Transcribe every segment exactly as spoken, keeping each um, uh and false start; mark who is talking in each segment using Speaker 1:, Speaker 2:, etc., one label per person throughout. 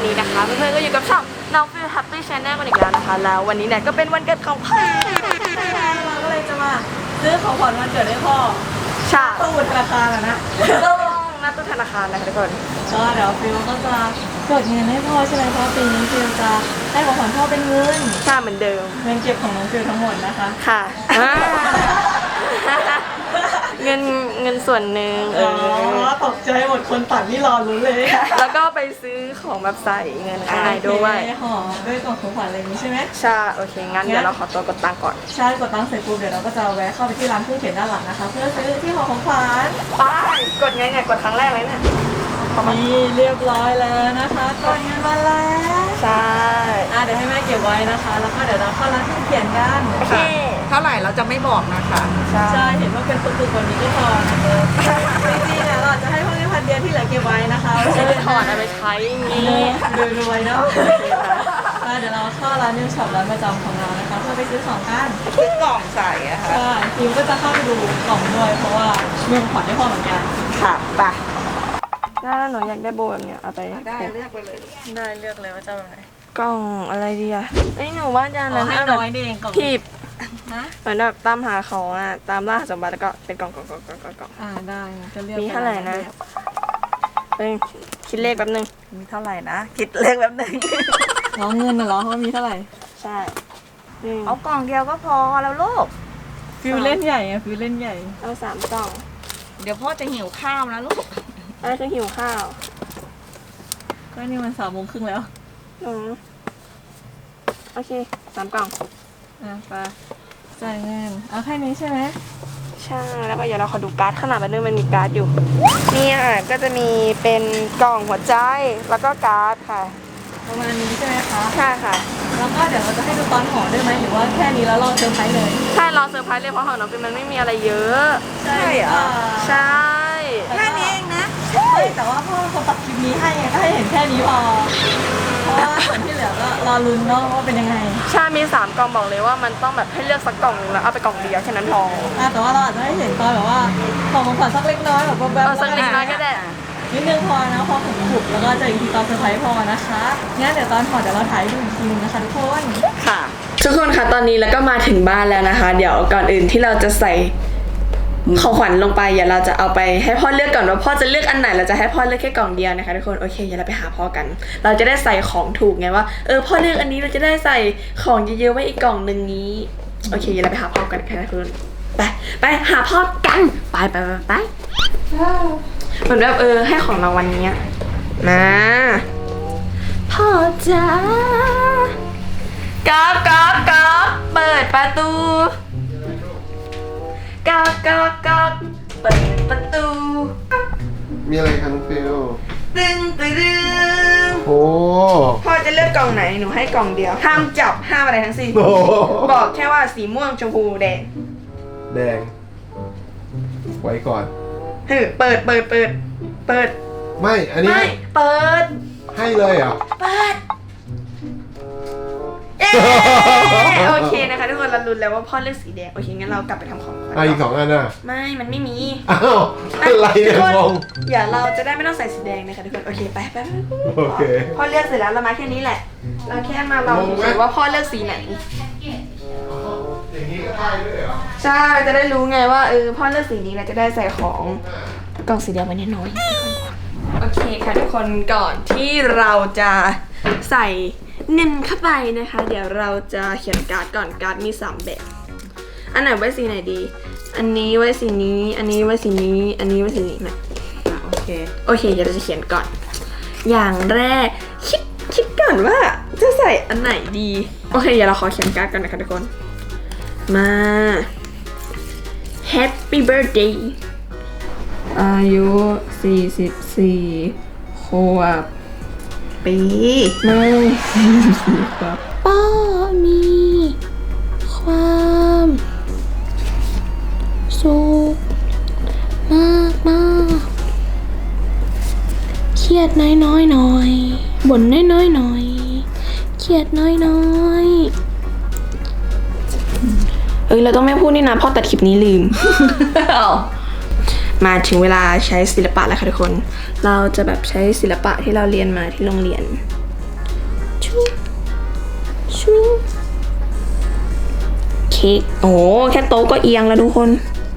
Speaker 1: นี้นะคะเพื่อนๆก็อยู่กับช่องน้องฟิลแฮปปี้ชาแนลกันอีกแล้วนะคะแล้ววันนี้เนี่ยก็เป็นวันเกิดของพ่อ
Speaker 2: เราก็เลยจะมาซื้อของขวัญวันเกิดให้พ่อ
Speaker 1: ใช่
Speaker 2: ตู้ธนาคารอะนะ
Speaker 1: ต้องนัดตู้ธนาคารนะคะทุกคน
Speaker 2: ก็เดี๋ยวฟิลก็จะกดเงินให้พ่อใช่ไหมเพราะปีนี้ฟิลจะให้ของขวัญพ่อเป็นเงิน
Speaker 1: ใช่เหมือนเดิม
Speaker 2: เงินเก็บของน้องฟิลทั้งหมดนะคะ
Speaker 1: ค่ะเงินเงินส่วนหนึ่ง
Speaker 2: อ๋อตกใจหมดคนตัดนี่รอรู้เลย
Speaker 1: แล้วก็ไปซื้อของแบบใส่เงินข้างในด้วย
Speaker 2: ห่อด้วยกล่องของขวัญอะไรอย่างนี้ใช่ไหม
Speaker 1: ใช่โอเคงั้นเดี๋ยวเราขอตัวกดตังค์ก่อน
Speaker 2: ใช่กดตังค์เสร็จปุ๊บเดี๋ยวเราก็จะแวะเข้าไปที่ร้านเครื่องเขียนด้านหลังนะคะเพื่อซื้อที่ห่อของขวัญ
Speaker 1: ไปกดไงเนี่ยกดครั้งแรกเลยเนี่ย
Speaker 2: นี่เรียบร้อยแล้วนะคะกดเงินมาแล้ว
Speaker 1: ใช่
Speaker 2: อ่ะเดี๋ยวให้แม่เก็บไว้นะคะแล้วก็เดี๋ยวเราเข้าร้านเครื่องเขียนกัน
Speaker 1: โอเค
Speaker 3: เท่าไหร่เราจะไม่บอกนะคะ
Speaker 2: ใช่เห็นว่าเป็นปึกๆวันนี้ก็พอนะคะจริงๆเนี่ยเราจะให้พวกนี้พันเดียวที่เหลือเก็บไว้นะคะ
Speaker 1: ไม่ใช่ถอดเอาไปใช้งี้
Speaker 2: รวยๆเนาะเดี๋ยวเราเข้าร้านนิวช็อปร้านประจำของเรานะคะเพื่อไปซื้อของกัน
Speaker 3: ซื้อกล่องใส่อะค่ะ
Speaker 2: ใช่ทีมก็จะเข้าไปดูกล่องด้วยเพราะว่ามีของขวัญให้พ่อเหมือนกัน
Speaker 1: ค่ะไปถ้าหนูอยากได้โบแบบเนี้ยเอาไป
Speaker 3: ได้เลือกไปเลย
Speaker 2: ได้เลือกเลยว่าจะแบบไหน
Speaker 1: กล่องอะไรดีอะไอ้หนูว่าจะ
Speaker 2: นั้นให้น้อยเองกล่อง
Speaker 1: ขีบเหมือนแบบตามหาของอะตามล่าสมบัติแล้วก็เป็นกล่องกล่องกล่องกล่องกล่อง
Speaker 2: อ่าได้จะเลือก
Speaker 1: มีเท่าไหร่นะเป็นคิดเลขแป๊บนึง
Speaker 3: มีเท่าไหร่นะคิดเลขแป๊บนึง
Speaker 2: น้องเงินน่ะเหรอว่ามีเท่าไหร่
Speaker 1: ใช่
Speaker 3: เอากล่องเดียวก็พอแล้วลูก
Speaker 2: ฟิวเล่นใหญ่อะฟิวเล่นใหญ่
Speaker 1: เอาสามกล่อง
Speaker 3: เดี๋ยวพ่อจะหิวข้าวนะลูก
Speaker 1: อะไรคือหิวข้าว
Speaker 2: ก็นี่มันสามโมงครึ่งแล้ว
Speaker 1: อือโอเคสามกล่อง
Speaker 2: อ่ะไปจ่ายเงินเอาแค่นี้ใช่ไหม
Speaker 1: ใช่แล้วก็เดี๋ยวเราขอดูการ์ดขนาดมันนึงมันมีการ์ดอยู่นี่อ่ะก็จะมีเป็นกล่องหัวใจแล้วก็การ์ดค่ะ
Speaker 2: ประมาณนี้ใช่ไหมคะ
Speaker 1: ใช่ค่ะ
Speaker 2: แล้วก็เดี๋ยวเราจะให้ดูตอนห่อได้ไหมหรือว่าแค่นี้แล้วรอเซอร์ไพรส์เลย
Speaker 1: ใช่รอเซอร์ไพรส์เลยเพราะของน้องฟิล์มมันไม่มีอะไรเยอะ
Speaker 2: ใช่เหรอ
Speaker 1: ใช่
Speaker 3: แค่นี้เองนะ
Speaker 2: ใช่แต่ว่าพ่อเขาตัดคลิปนี้ให้ไงก็ให้เห็นแค่นี้พอเพราะว่าส่วนที่เหลือก็รอลุ้นเนาะว่าเป็นยังไง
Speaker 1: ใช่มีสามกล่องบอกเลยว่ามันต้องแบบให้เลือกสักกล่องนึงแล้วเอาไปกล่องเดียวแค่นั้นพอ
Speaker 2: อ่ะแต่ว่าเราอาจจะให้เห็นตอนแบบว่าของของขวัญสักเล็กน้อยแบบแบบ
Speaker 1: สักเล็กน้อยก็ได้
Speaker 2: นิดนึงพอนะพอขุบๆแล้วก็จะอีกทีตอนเซอร์ไพรส์พอนะคะงั้นเดี๋ยวตอนห่อเดี๋ยวเราถ่ายดูอีกทีนึงนะคะทุกคน
Speaker 1: ค่ะทุกคนค่ะตอนนี้แล้วก็มาถึงบ้านแล้วนะคะเดี๋ยวก่อนอื่นที่เราจะใส่ของขวัญลงไปเดี๋ยวเราจะเอาไปให้พ่อเลือกก่อนว่าพ่อจะเลือกอันไหนเราจะให้พ่อเลือกแค่กล่องเดียวนะคะทุกคนโอเคเดี๋ยวเราไปหาพ่อกันเราจะได้ใส่ของถูกไงว่าเออพ่อเลือกอันนี้เราจะได้ใส่ของเยอะๆไว้อีกกล่องหนึ่งนี้โอเคเดี๋ยวเราไปหาพ่อกันค่ะทุกคนไปไปหาพ่อกันไปไปไปไปเหมือนแบบเออให้ของรางวัลนี้มาพ่อจ๋าก๊อกก๊อกก๊อกเปิดประตูก๊อกก๊อกก๊อกเปิดประตู
Speaker 4: มีอะไรคะน้องฟิล
Speaker 1: ตึงตึงตึง
Speaker 4: โอ้
Speaker 1: พ่อจะเลือกกล่องไหนหนูให้กล่องเดียวห้ามจับห้ามอะไรทั้งสิ้นบอกแค่ว่าสีม่วงชมพูแดง
Speaker 4: แดงไว้ก่อน
Speaker 1: เฮ้ยเปิดเปิดเปิดเปิด
Speaker 4: ไม่อันนี้
Speaker 1: ไม่เปิด
Speaker 4: ให้เลยเหรอ
Speaker 1: เปิดเอ๊โอเคนะคะทุกคนเราลุ้นแล้วว่าพ่อเลือกสีแดงโอเคงั้นเรากลับไปทำของ
Speaker 4: อ่ะอีกสองอันน่ะ
Speaker 1: ไม่มันไม่มี
Speaker 4: อ้าวอะไรเนี่ยงง
Speaker 1: อย่าเราจะได้ไม่ต้องใส่สีแดงนะคะทุกคนโอเคไปไป
Speaker 4: โอเค
Speaker 1: พ่อเลือกเสร็จแล้วเรามาแค่นี้แหละเราแค่มาเราดูว่าพ่อเลือกสีไหน
Speaker 4: อย่างนี้ก็ได้ด้วยเหรอ
Speaker 1: ใช่จะได้รู้ไงว่าเออพ่อเลือกสีนี้เราจะได้ใส่ของกล่องสีแดงไว้น้อยๆโอเคค่ะทุกคนก่อนที่เราจะใส่เงินเข้าไปนะคะเดี๋ยวเราจะเขียนการ์ดก่อนการ์ดมีสามแบบอันไหนไว้สีไหนดีอันนี้ไว้สีนี้อันนี้ไว้สีนี้อันนี้ไว้สีนี้นะ
Speaker 3: โอเค
Speaker 1: โอเคเดี๋ยวเราจะเขียนก่อนอย่างแรกคิดคิดก่อนว่าจะใส่อันไหนดีโอเคเดี๋ยวเราขอเขียนการ์ดก่อนนะคะทุกคนมา Happy Birthday อายุสี่สิบสี่ขวบ
Speaker 3: ปี
Speaker 1: ไม่สี่สิบครับป้ามีความสุขมากมากเครียดน้อยน้อยหน่อยบ่นน้อยน้อยหน่อยเครียดน้อยน้อยเอ้ยเราต้องไม่พูดนี่นะพ่อตัดคลิปนี้ลืม มาถึงเวลาใช้ศิลปะแล้วค่ะทุกคนเราจะแบบใช้ศิลปะที่เราเรียนมาที่โรงเรียนชุยชุยเค้กโอ้แค่โต๊ะก็เอียงแล้วทุกคน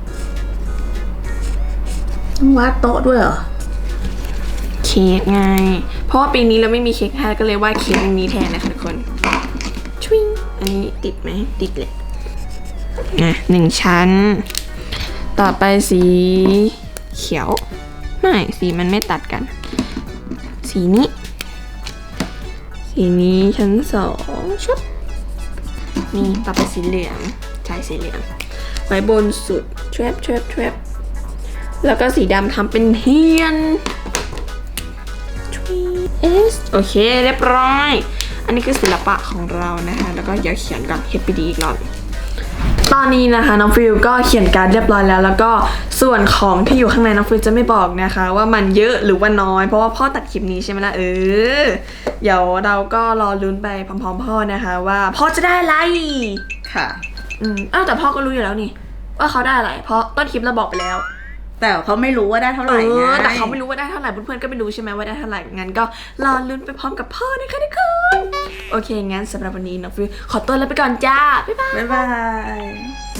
Speaker 1: ต้องวาดโต๊ะด้วยเหรอเค้กไงเพราะว่าปีนี้เราไม่มีเค้กให้ก็เลยวาดเค้กนี้แทนนะคะทุกคนชุยอันนี้ติดไหมติดเลยนะหนึ่งชั้นต่อไปสีเขียวไม่สีมันไม่ตัดกันสีนี้สีนี้ชั้นสองชุบนี่ต่อไปสีเหลืองใช่สีเหลืองไว้บนสุดแทรบแทรบแทรบแล้วก็สีดำทำเป็นเทียนเอสโอเคเรียบร้อยอันนี้คือศิลปะของเรานะคะแล้วก็อย่าเขียนก่อนเฮ็ดไปดีอีกรอบตอนนี้นะคะน้องฟิลก็เขียนการ์ดเรียบร้อยแล้วแล้วก็ส่วนของที่อยู่ข้างในน้องฟิลจะไม่บอกนะคะว่ามันเยอะหรือว่าน้อยเพราะว่าพ่อตัดคลิปนี้ใช่ไหมล่ะเออเดี๋ยวเราก็รอลุ้นไปพร้อมๆพ่อนะคะว่าพ่อจะได้อะไร
Speaker 3: ค่ะ
Speaker 1: อืมอ้าวแต่พ่อก็รู้อยู่แล้วนี่ว่าเขาได้อะไรเพราะต้นคลิปเราบอกไปแล้ว
Speaker 3: แต่เขาไม่รู้ว่าได้เท่าไห
Speaker 1: เอ
Speaker 3: ร่ไง
Speaker 1: อแต่เขาไม่รู้ว่าได้เท่าไหร่เพื่อนๆก็ไม่รู้ใช่ไหมว่าได้เท่าไหร่งั้นก็รอลุ้นไปพร้อมกับพ่อนะคะทุกคนโอเคงั้นสำหรับวันนี้น้องฟิลขอตัวลาไปก่อนจ้าบ๊ายบาย
Speaker 3: บ๊ายบาย